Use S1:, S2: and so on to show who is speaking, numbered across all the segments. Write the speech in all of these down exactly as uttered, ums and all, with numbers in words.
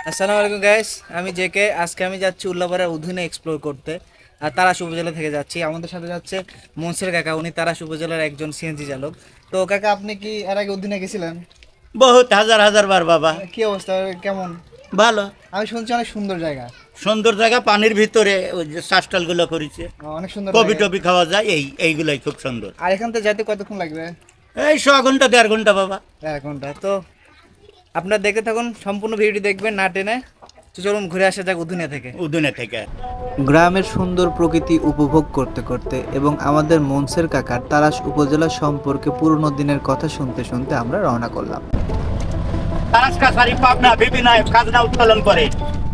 S1: আসসালামু আলাইকুম গাইস, আমি জেকে। আজকে আমি যাচ্ছি উল্লাপাড়ার উধুনে এক্সপ্লোর করতে। আর তারাশ উপজেলা থেকে যাচ্ছি। আমাদের সাথে যাচ্ছে মনসুর কাকা, উনি তারাশ উপজেলার একজন সিএনজি চালক। তো কাকা, আপনি কি এর আগে উধুনে গেছিলেন?
S2: বহুত হাজার হাজার বার বাবা।
S1: কি অবস্থা, কেমন?
S2: ভালো।
S1: আমি শুনছি অনেক সুন্দর জায়গা।
S2: সুন্দর জায়গা, পানির ভিতরে ওই যে শ্বাসটাল গুলো করেছে,
S1: অনেক সুন্দর
S2: কবি
S1: জায়গা।
S2: টবি খাওয়া যায়, এই এইগুলাই খুব সুন্দর।
S1: আর এখান থেকে যেতে কতক্ষণ লাগবে?
S2: এই ছ ঘন্টা দেড় ঘন্টা বাবা।
S1: এক ঘন্টা। তো আপনারা দেখতে থাকুন, সম্পূর্ণ ভিডিওটি দেখবেন না টেনে। তো চলুন ঘুরে আসা যাক উধুনে থেকে।
S2: উদুনে থেকে
S3: গ্রামের সুন্দর প্রকৃতি উপভোগ করতে করতে এবং আমাদের মনসের কাকার তারাশ উপজেলা সম্পর্কে পুরনো দিনের কথা শুনতে শুনতে আমরা রওনা করলাম।
S2: তারাস কাছারি পাবনা বিভিন্ন খাজনা উত্তোলন করে।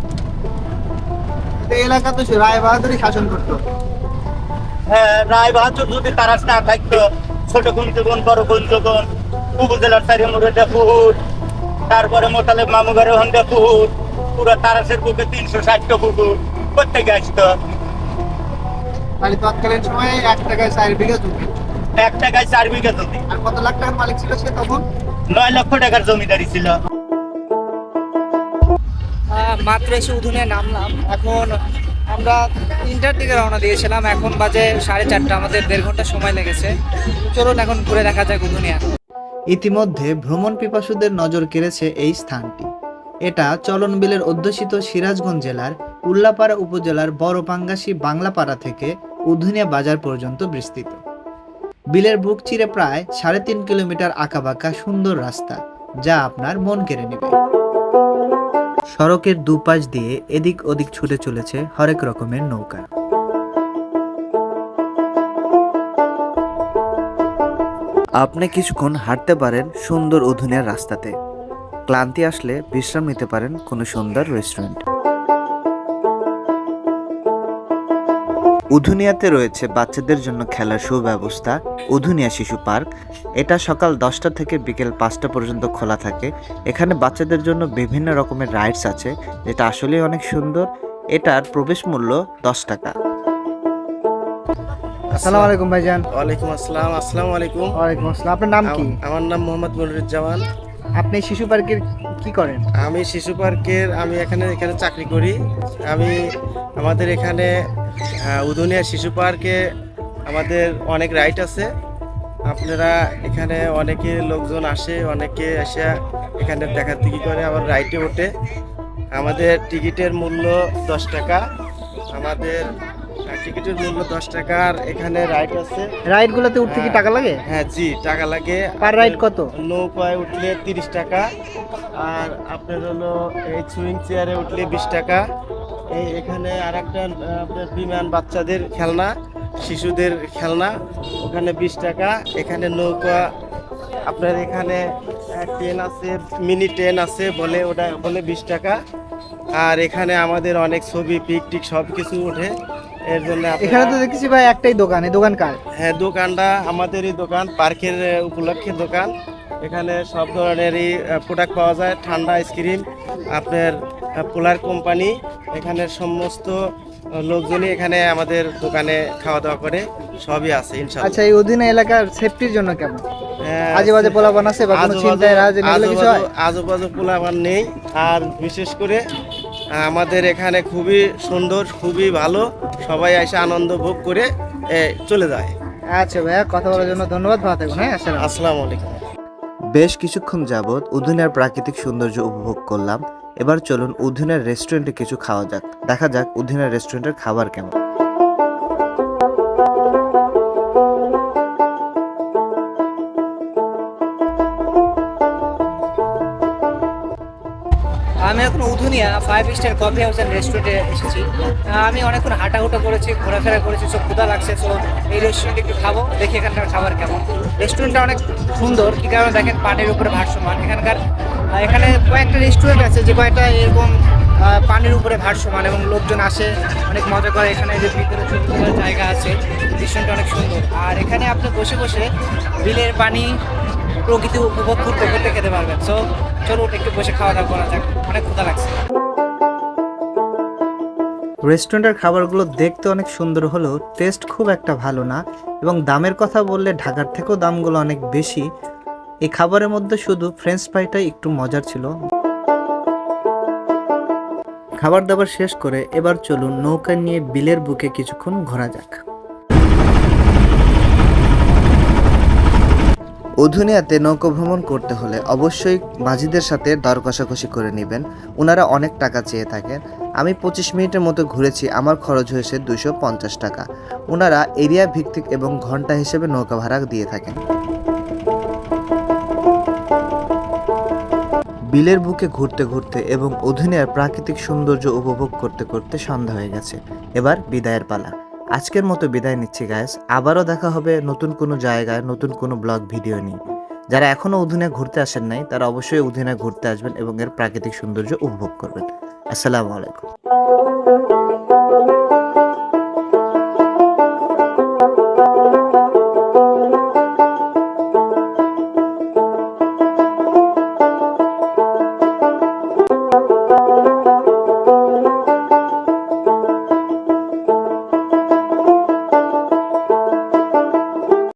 S1: এই এলাকা তো রায় বাহাদুরই শাসন করতো।
S2: হ্যাঁ, রায় বাহাদুর যদি তারাস না থাকতো, ছোট কুঞ্চগণ বড় কুঞ্চগণ উপজেলার চারি মুড়ে পুহুর, তারপরে মোতালেব মামুঘরে হন্দে পুহুর, পুরো তারাসের বুকে তিনশো ষাটটা পুকুর প্রত্যেকে আসতো।
S1: মানে তৎকালীন সময়ে এক টাকায় চার বিঘা জমি।
S2: এক টাকায় চার বিঘা জমি।
S1: আর কত লাখ টাকার মালিক ছিল সে তখন?
S2: নয় লক্ষ টাকার জমিদারি ছিল।
S1: মাত্র এসে উধুনে নামলাম। এখন আমরা তিনটার দিকে রওনা দিয়েছিলাম, এখন বাজে সাড়ে চারটা। আমাদের দেড় ঘন্টা সময় লেগেছে। চলুন এখন ঘুরে দেখা যাক উধুনিয়া।
S3: ইতিমধ্যে ভ্রমণ পিপাসুদের নজর কেড়েছে এই স্থানটি। এটা চলন বিলের অধ্যুষিত সিরাজগঞ্জ জেলার উল্লাপাড়া উপজেলার বড়পাঙ্গাসী বাংলাপাড়া থেকে উধুনিয়া বাজার পর্যন্ত বিস্তৃত। বিলের বুক চিরে প্রায় সাড়ে তিন কিলোমিটার আঁকাবাঁকা সুন্দর রাস্তা, যা আপনার মন কেড়ে নেবে। সড়কের দুপাশ দিয়ে এদিক ওদিক ছুটে চলেছে হরেক রকমের নৌকা। আপনি কিছুক্ষণ হাঁটতে পারেন সুন্দর উধুনিয়ার রাস্তাতে। ক্লান্তি আসলে বিশ্রাম নিতে পারেন কোনো সুন্দর রেস্টুরেন্ট। উধুনিয়াতে রয়েছে বাচ্চাদের জন্য খেলার সুব্যবস্থা, উধুনিয়া শিশু পার্ক। এটা সকাল দশটা থেকে বিকেল পাঁচটা পর্যন্ত খোলা থাকে। এখানে বাচ্চাদের জন্য বিভিন্ন রকমের রাইডস আছে, যেটা আসলেই অনেক সুন্দর। এটার প্রবেশ মূল্য দশ টাকা।
S1: আসসালামু আলাইকুম ভাইজান।
S4: ওয়ালাইকুম আসসালাম। আসসালামু আলাইকুম।
S1: ওয়ালাইকুম আসসালাম। আপনার নাম কি?
S4: আম- আমার নাম মোহাম্মদ মনিরুজ্জামান।
S1: আপনি শিশু পার্কের কি করেন?
S4: আমি শিশু পার্কের আমি এখানে এখানে চাকরি করি। আমি আমাদের এখানে আহ, উদুনিয়া শিশু পার্কে আমাদের অনেক রাইড আছে। আপনারা এখানে অনেকে লোকজন আসে, অনেকে এসে এখানে দেখাদেখি করে, আবার রাইডে ওঠে। আমাদের টিকিটের মূল্য দশ টাকা। আমাদের আহ, টিকিটের মূল্য দশ টাকা। আর এখানে রাইড আছে।
S1: রাইড গুলোতে উঠতে কি টাকা লাগে?
S4: হ্যাঁ জি, টাকা লাগে।
S1: পার রাইড কত?
S4: নৌকায় উঠলে তিরিশ টাকা। আর আপনার হলো এই সুইং চেয়ারে উঠলে বিশ টাকা। এই এখানে আর একটা আপনার বিমান বাচ্চাদের খেলনা, শিশুদের খেলনা, ওখানে বিশ টাকা। এখানে নৌকা আপনার এখানে ট্রেন আছে, মিনি ট্রেন আছে, বলে ওটা বলে বিশ টাকা। আর এখানে আমাদের অনেক ছবি পিকটিক সব কিছু ওঠে। এর জন্য আপনারা-
S1: এখানে তো দেখছি ভাই একটাই দোকান, এই দোকান কার?
S4: হ্যাঁ, দোকানটা আমাদেরই দোকান, পার্কের আহ, উপলক্ষে দোকান। এখানে সব ধরনেরই প্রোডাক্ট পাওয়া যায়, ঠান্ডা আইসক্রিম, আপনার পোলার কোম্পানি। এখানে সমস্ত আহ, লোকজনই এখানে আমাদের দোকানে খাওয়া দাওয়া করে, সবই আছে ইনশাআল্লাহ।
S1: আচ্ছা, এই অধীনে এলাকার সেফটির জন্য কেমন?
S4: হ্যাঁ,
S1: আজে বাজে পোলাপান আছে বা কোনো
S4: আজেবাজে-
S1: চিন্তায় রাজনীতি এগুলো কিছু হয়?
S4: আজেবাজে- আজেবাজে পোলাপান নেই। আর বিশেষ করে আহ, আমাদের এখানে খুবই সুন্দর, খুবই ভালো, সবাই এসে আনন্দ ভোগ করে এ, চলে যায়।
S1: আচ্ছা ভাইয়া, কথা বলার জন্য ধন্যবাদ। ভালো থাকুন। হ্যাঁ, আসসালাম।
S4: আসসালামু আলাইকুম।
S3: বেশ কিছুক্ষণ যাবৎ উধুনিয়ার প্রাকৃতিক সৌন্দর্য উপভোগ করলাম। এবার চলুন উধুনিয়ার রেস্টুরেন্টে কিছু খাওয়া যাক। দেখা যাক উধুনিয়ার রেস্টুরেন্টের খাবার কেমন।
S1: আমি এখন উধুনিয়া five star coffee house and রেস্টুরেন্টে এসেছি। আহ, আমি অনেকক্ষণ হাঁটাহুটা করেছি, ঘোরাফেরা করেছি, সব ক্ষুধা লাগছে। তো এই রেস্টুরেন্টে একটু খাবো, দেখি এখানকার খাবার কেমন। রেস্টুরেন্টটা অনেক সুন্দর, কি কারণে দেখেন পানির উপরে ভাসমান। এখানকার আহ, এখানে কয়েকটা রেস্টুরেন্ট আছে যে কয়েকটা এরকম আহ, পানির উপরে ভাসমান, এবং লোকজন আসে অনেক মজা করে। এখানে যে ভিতরে ছবি তোলার জায়গা আছে, রেস্টুরেন্টটা অনেক সুন্দর। আর এখানে আপনি বসে বসে বিলের পানি, প্রকৃতি উপভোগ করতে করতে খেতে পারবেন। সো চলুন একটু বসে খাওয়া দাওয়া করা যাক, অনেক ক্ষুধা লাগছে।
S3: রেস্টুরেন্টের খাবারগুলো দেখতে অনেক সুন্দর হলেও টেস্ট খুব একটা ভালো না, এবং দামের কথা বললে ঢাকার থেকেও দামগুলো অনেক বেশি। এই খাবারের মধ্যে শুধু ফ্রেঞ্চ ফ্রাইটাই একটু মজার ছিল। খাবার দাবার শেষ করে এবার চলুন নৌকা নিয়ে বিলের বুকে কিছুক্ষণ ঘোরা যাক। উধুনিয়াতে নৌকা ভ্রমণ করতে হলে অবশ্যই মাঝিদের সাথে দর কষাকষি করে নেবেন, ওনারা অনেক টাকা চেয়ে থাকেন। আমি পঁচিশ মিনিটের মতো ঘুরেছি, আমার খরচ হয়েছে দুশো পঞ্চাশ টাকা। ওনারা এরিয়া ভিত্তিক এবং ঘন্টা হিসেবে নৌকা ভাড়া দিয়ে থাকেন। বিলের বুকে ঘুরতে ঘুরতে এবং উধুনিয়ার প্রাকৃতিক সৌন্দর্য উপভোগ করতে করতে সন্ধ্যা হয়ে গেছে। এবার বিদায়ের পালা। আজকের মতো বিদায় নিচ্ছি গাইস, আবারও দেখা হবে নতুন কোনো জায়গায় নতুন কোনো ব্লগ ভিডিও নিয়ে। যারা এখনও উধুনিয়া ঘুরতে আসেন নাই তারা অবশ্যই উধুনিয়া ঘুরতে আসবেন এবং এর প্রাকৃতিক সৌন্দর্য উপভোগ করবেন। আসসালামু আলাইকুম।